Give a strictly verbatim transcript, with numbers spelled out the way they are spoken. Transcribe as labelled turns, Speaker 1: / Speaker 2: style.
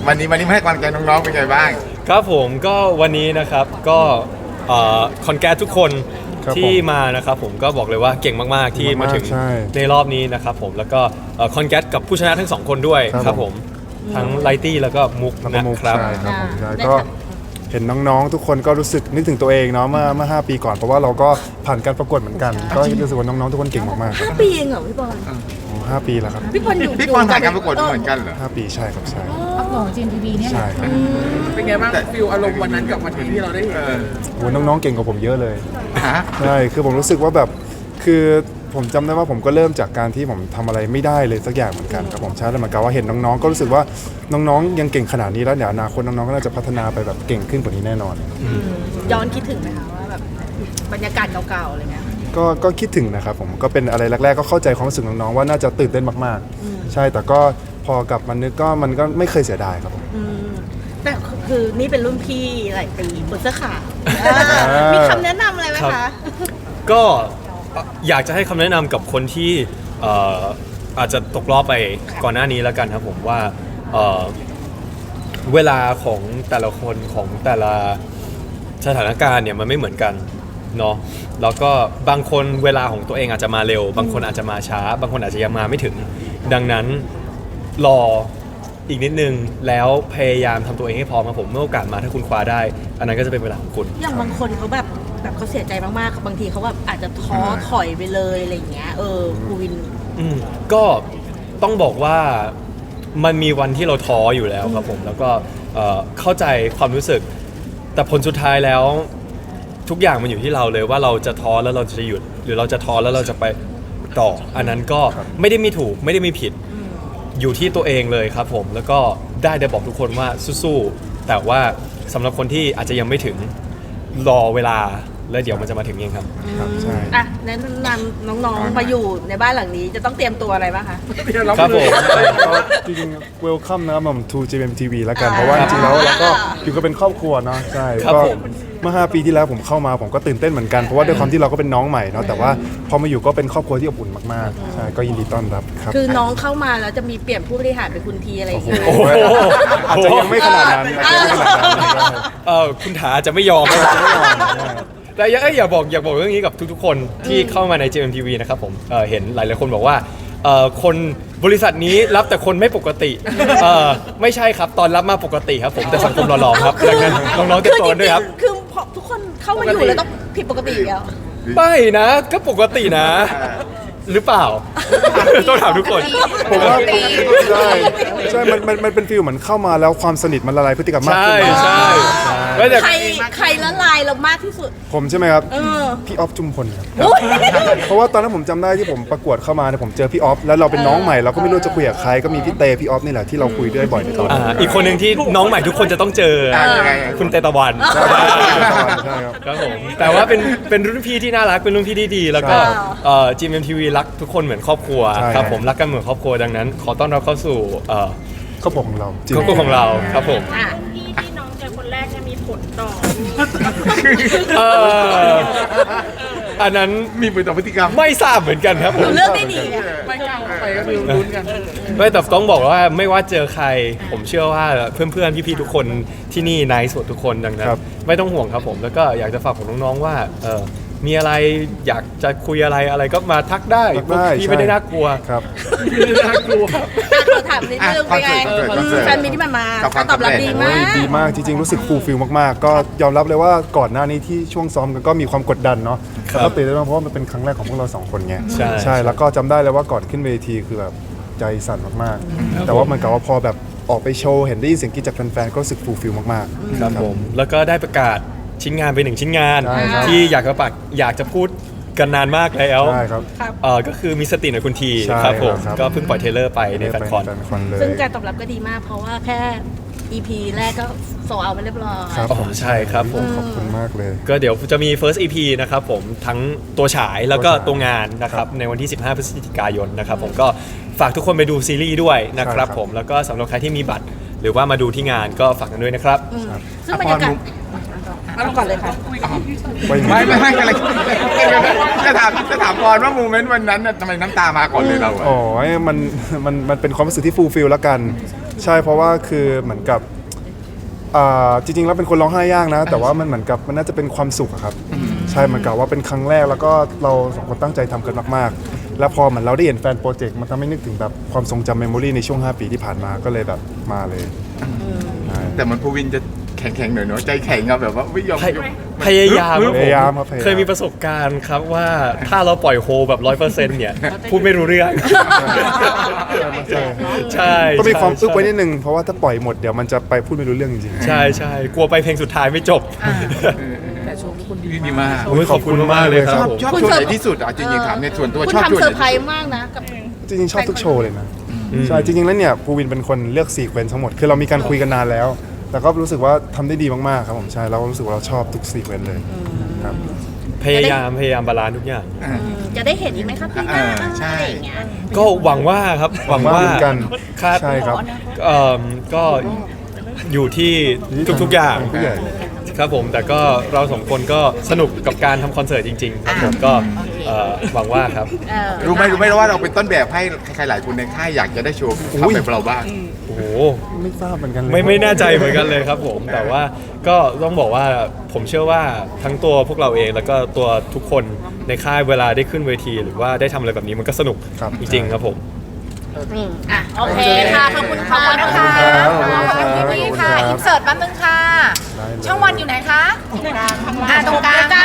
Speaker 1: วันนี้วันนี้มาให้กำลังใจน้องๆเป็นไงบ้าง
Speaker 2: ครับผมก็วันนี้นะครับก็คอนแกรสทุกคนที่มานะครับผมก็บอกเลยว่าเก่งมากๆที่มาถึงในรอบนี้นะครับผมแล้วก็คอนแกรสกับผู้ชนะทั้งสองคนด้วยครับผมทั้งไลตี้แล้วก็มุกนะครับ
Speaker 3: ใช่ครับผมใช่ก็เห็นน้องๆทุกคนก็รู้สึกนึกถึงตัวเองเนาะเมื่อเมื่อห้าปีก่อนเพราะว่าเราก็ผ่านการประกวดเหมือนกันก็รู้สึกว่าน้องๆทุกคนเก่งมากๆ
Speaker 4: ห้าปีเองเหรอพี่บอล
Speaker 3: ห้าปีแล้วครับ
Speaker 4: พี่บอลอยู่
Speaker 1: พี่บอลผ่านการประกวดเหมือนกันเหรอ
Speaker 3: ห้าปีใช่ครับใช่
Speaker 5: ประกวดจีนทีวีเนี่ย
Speaker 3: ใช่ครับ
Speaker 6: เป็นไงบ้างฟิลอารมณ์วันนั้นกับวันที่เราได้เห็น
Speaker 3: โอ้น้องๆเก่งกว่าผมเยอะเลยใช่คือผมรู้สึกว่าแบบคือผมจำได้ว่าผมก็เริ่มจากการที่ผมทำอะไรไม่ได้เลยสักอย่างเหมือนกันครับผมใช่แล้วเหมือนกับว่าเห็นน้องๆก็รู้สึกว่าน้องๆยังเก่งขนาดนี้แล้วเดี๋ยวอนาคตน้องๆก็น่าจะพัฒนาไปแบบเก่งขึ้นกว่านี้แน่นอน
Speaker 4: ย้อนคิดถึงไหมคะว่าแบบบรรยากาศเก่าๆอะไรเงี้ย
Speaker 3: ก็ก็คิดถึงนะครับผมก็เป็นอะไรแรกๆก็เข้าใจความรู้สึกน้องๆว่าน่าจะตื่นเต้นมากๆใช่แต่ก็พอกลับมานึกก็มันก็ไม่เคยเสียดายครับผม
Speaker 4: แต่คือนี่เป็นรุ่นพี่หลายปีบนเสื้อขาวมีคำแนะนำอะไรไหมคะ
Speaker 2: ก็อยากจะให้คำแนะนำกับคนที่อาจจะตกรอบไปก่อนหน้านี้แล้วกันครับผมว่าเวลาของแต่ละคนของแต่ละสถานการณ์เนี่ยมันไม่เหมือนกันเนาะแล้วก็บางคนเวลาของตัวเองอาจจะมาเร็วบางคนอาจจะมาช้าบางคนอาจจะยังมาไม่ถึงดังนั้นรออีกนิดนึงแล้วพยายามทำตัวเองให้พร้อมครับผมเมื่อโอกาสมาถ้าคุณคว้าได้อันนั้นก็จะเป็นเวลาของคุณ
Speaker 4: อย่างบางคนเขาแบบแบบเขาเสียใจมากๆบางทีเขาแบบอาจจะท้อถอยไปเลยอะไรอย่างเงี้ยเออครูวิน
Speaker 2: อืมก็ต้องบอกว่ามันมีวันที่เราท้ออยู่แล้วครับผมแล้วก็เข้าใจความรู้สึกแต่ผลสุดท้ายแล้วทุกอย่างมันอยู่ที่เราเลยว่าเราจะท้อแล้วเราจะหยุดหรือเราจะท้อแล้วเราจะไปต่ออันนั้นก็ไม่ได้มีถูกไม่ได้มีผิดอยู่ที่ตัวเองเลยครับผมแล้วก็ได้ได้บอกทุกคนว่าสู้ๆแต่ว่าสำหรับคนที่อาจจะยังไม่ถึงรอเวลาแล้วเดี๋ยวมันจะมาถึงเองครับ
Speaker 3: ใช่
Speaker 4: อ่ะแนะนำน้องๆมาอยู่ในบ้านหลังนี้จะต้องเตรียมตัวอะไรบ้างคะ
Speaker 2: ครับผม
Speaker 3: จริงๆ welcome นะครับผม to จี เอ็ม ที วี แล้วกันเพราะว่าจริงๆแล้วเราก็อยู่กันเป็นครอบครัวเนาะใช่ก็เมื่อห้าปีที่แล้วผมเข้ามาผมก็ตื่นเต้นเหมือนกันเพราะว่าด้วยความที่เราก็เป็นน้องใหม่เนาะแต่ว่าพอมาอยู่ก็เป็นครอบครัวที่อบอุ่นมากๆใช่ก็ยินดีต้อนรับครับ
Speaker 4: คือน้องเข้ามาแล้วจะมีเปลี่ยนผู้บริหารเป็นคุณทีอะไรอย่างเงี้ย
Speaker 3: อาจจะยังไม่ขนาดนั้น
Speaker 2: เออคุณถาจะไม่ยอมแต่อย่าอย่าบอกอย่าบอกเรื่องนี้กับทุกๆคนที่เข้ามาใน จี เอ็ม ที วี นะครับผมเเห็นหลายๆคนบอกว่าคนบริษัทนี้รับแต่คนไม่ปกติไม่ใช่ครับตอนรับมาปกติครับผมแต่สังคมหล่อๆครับดังนั้นน้องๆจะโตด้วยครับ
Speaker 4: คือทุกคนเข้ามาอยู่แล้วต้องผิดปกติแล้ว
Speaker 2: ไม่นะก็ปกตินะหรือเปล่าต้องถามทุกคน
Speaker 3: ผมว่าใช่ใช่มันมันมันเป็นฟีลเหมือนเข้ามาแล้วความสนิทมันละลายพฤติกรรมมากขึ้น
Speaker 2: ใช่
Speaker 4: ใครใครละลายเรามากที่สุด
Speaker 3: ผมใช่ไหมครับพี่ออฟจุมพลครับเพราะว่าตอนนั้นผมจำได้ที่ผมประกวดเข้ามาเนี่ยผมเจอพี่ออฟแล้วเราเป็นน้องใหม่เราก็ไม่รู้จะคุยกับใครก็มีพี่เตพี่ออฟนี่แหละที่เราคุยด้วยบ่อยในตอนนั้น
Speaker 2: อีกคนหนึ่งที่น้องใหม่ทุกคนจะต้องเจอคุณเตตะวัน
Speaker 3: ใช่ครับ
Speaker 2: ครับผมแต่ว่าเป็นเป็นรุ่นพี่ที่น่ารักเป็นรุ่นพี่ที่ดีแล้วก็ จี เอ็ม ที วี รักทุกคนเหมือนครอบครัวครับผมรักกันเหมือนครอบครัวดังนั้นขอต้อนรับเข้าสู่
Speaker 3: ครอบครัวของเรา
Speaker 2: ครอบครัวของเราครับผม
Speaker 5: พี่ที่น้องเจอคนแรกจะมีผลต่อ
Speaker 2: อันนั้น
Speaker 1: มีผลต่อพฤติกรรม
Speaker 2: ไม่ทราบเหมือนกันครับผม
Speaker 4: เลือกได้ดี
Speaker 6: ไม่กล้าไปก็คือลุ้นกัน
Speaker 2: ไม่แต่ต้องบอกว่าไม่ว่าเจอใครผมเชื่อว่าเพื่อนๆพี่ๆทุกคนที่นี่นายสดทุกคนดังนั้นไม่ต้องห่วงครับผมแล้วก็อยากจะฝากของน้องๆว่ามีอะไรอยากจะคุยอะไรอะไรก็มาทักได้พี่ไม่ได้น่ากลัว
Speaker 3: ครับ
Speaker 2: ไม่ได้น่ากลัว
Speaker 4: ขอถามนิดนึงเป็นไงแฟนมิตรที่มันมาตอบรับดีมาก
Speaker 3: ดีมากจริงๆรู้สึกฟูลฟิลมากๆก็ยอมรับเลยว่าก่อนหน้านี้ที่ช่วงซ้อมกันก็มีความกดดันเนาะก็ตื่นเต้นเพราะว่ามันเป็นครั้งแรกของพวกเราสองคนไงใช่แล้วก็จำได้เลยว่าก่อนขึ้นเวทีคือแบบใจสั่นมากๆแต่ว่ามันกับว่าพอแบบออกไปโชว์เห็นได้ยินเสียงกรี๊ดจากแฟนๆก็รู้สึกฟูลฟิลมาก
Speaker 2: ๆครับผมแล้วก็ได้ประกาศชิ้นงานไปหนึ่งชิ้นงานที่อยากจะปักอยากจะพูดกันนานมากแล้ว
Speaker 3: ใช่ครับ
Speaker 2: เออก็คือมีสติหน่อยคุณทีครับผมก็เพิ่งปล่อยเทเลอร์ไปในแฟนคอน
Speaker 4: ซึ่งการตอบรับก็ดีมากเพราะว่าแค่ อี พี แรกก็โซเอาไปเรียบร้อย
Speaker 3: ครับผม
Speaker 2: ใช่ครับผม
Speaker 3: ขอบคุณมากเลย
Speaker 2: ก็เดี๋ยวจะมี first อี พี นะครับผมทั้งตัวฉายแล้วก็ตัวงานนะครับในวันที่สิบห้าพฤศจิกายนนะครับผมก็ฝากทุกคนไปดูซีรีส์ด้วยนะครับผมแล้วก็สำหรับใครที่มีบัตรหรือว่ามาดูที่งานก็ฝากกันด้วยนะครับ
Speaker 4: ซึ่งบรรยากาศเอาก่อนเลยค่ะ
Speaker 1: ไม่ไม่ไม่อะไรจะถามจะถามก่อนว่าโมเมนต์วันนั้นทำไมน้ำตามาก่อนเลยเรา
Speaker 3: อ๋อมันมันมันเป็นความรู้สึกที่ฟูลฟิลแล้วกันใช่เพราะว่าคือเหมือนกับอ่าจริงๆแล้วเป็นคนร้องไห้ยากนะ แต่ว่ามันเหมือนกับมันน่าจะเป็นความสุขอะครับใช่เหมือนกับว่าเป็นครั้งแรกแล้วก็เราสองคนตั้งใจทำกันมากๆ แล้วพอเหมือนเราได้เห็นแฟนโปรเจกต์มันทำให้นึกถึงแบบความทรงจำเมมโมรีในช่วงห้าปีที่ผ่านมาก็เลยแบบมาเลยใช่
Speaker 1: แต่มันภูวินจะแข็งๆหน่อยเนาะใจแข็งอะแบบว่าไม่ยอม
Speaker 2: พยพยายามครับ
Speaker 3: พ
Speaker 2: ผม
Speaker 3: ยายามครับพยายาม
Speaker 2: เคยมีประสบการณ์ครับว่าถ้าเราปล่อยโฮแบบร้อยเปอร์เซ็นต์เนี่ยพูดไม่รู้เรื่อง
Speaker 3: ใช่
Speaker 2: ใช่
Speaker 3: ต้องมีความอึบไว้นิ
Speaker 2: ใช่
Speaker 3: ดนึงเพราะว่าถ้าปล่อยหมดเดี๋ยวมันจะไปพูดไม่รู้เรื่องจริงๆ
Speaker 2: ใช่ใช่กลัวไปเพลงสุดท้ายไม่จบ
Speaker 6: แต่โชว์ทุกคนดี
Speaker 1: ดีมาก
Speaker 2: โอ้ยขอบคุณมากเลยค
Speaker 1: ช
Speaker 2: รับ
Speaker 1: อบ
Speaker 2: ผม
Speaker 1: ชอบโชว์ไหนที่สุดอ่ะจริงๆถามในส่วนตัว
Speaker 4: คุณ
Speaker 1: ชอบโช
Speaker 4: ทำ
Speaker 1: ว์
Speaker 4: เซ
Speaker 1: ไห
Speaker 4: อน ร์ไพร
Speaker 1: ที่สุด
Speaker 4: ส์มากนะกับ
Speaker 3: จริงๆชอบทุกโชว์เลยนะใช่จริงๆแล้วเนี่ยภูวินเป็นคนเลือกซีเควนซ์ทั้งหมดคือเรามีการคุยกันนานแล้ว แต่ก็รู้สึกว่าทำได้ดีมากๆครับผมใช่เรารู้สึกว่าเราชอบทุกซีเควนซ์เลยครับ
Speaker 2: พยายามพยายามบาลานซ์ทุกอย่าง
Speaker 1: อ่า
Speaker 4: จะได้เห็นอีกไหมครับพี่หน้า
Speaker 1: อ่าใช่
Speaker 4: อะไรอย่างเงี้ย
Speaker 2: ก็หวังว่าครับหวังว่า
Speaker 3: เหมือนกัน
Speaker 2: คาด
Speaker 3: ใช่ครับ
Speaker 2: เอ่อก็อยู่ที่ทุกๆอย่าง
Speaker 3: ผู้ใหญ่
Speaker 2: ครับผมแต่ก็เราสองคนก็สนุกกับการทำคอนเสิร์ตจริงๆครับผมก็เอ่อหวังว่าครับ
Speaker 4: เออ
Speaker 1: รู้ไหมรู้ไหมว่าเราเป็นต้นแบบให้ใครๆหลายคนในค่ายอยากจะได้โชว์ทำแบบเราบ้าง
Speaker 2: โอ้โห
Speaker 3: ไม่ทราบเหมือนกันเลย
Speaker 2: ไม่ไม่แน่ใจเหมือนกันเลยครับผมแต่ว่าก็ต้องบอกว่าผมเชื่อว่าทั้งตัวพวกเราเองแล้วก็ตัวทุกคนในค่ายเวลาได้ขึ้นเวที หรือว่าได้ทำอะไรแบบนี้มันก็สนุก
Speaker 3: ครับ
Speaker 2: จริงๆครับผม
Speaker 4: อืมอ่ะโอเคค่ะ ขอบคุณค่ะ
Speaker 3: ขอบคุณครับขอบคุณครับ
Speaker 7: พี่ค่ะ อินเสิร์ตแป๊บนึงค่ะ
Speaker 3: ได้เลย
Speaker 7: ช่องวันอยู่ไหนคะอ่าตรงกลาง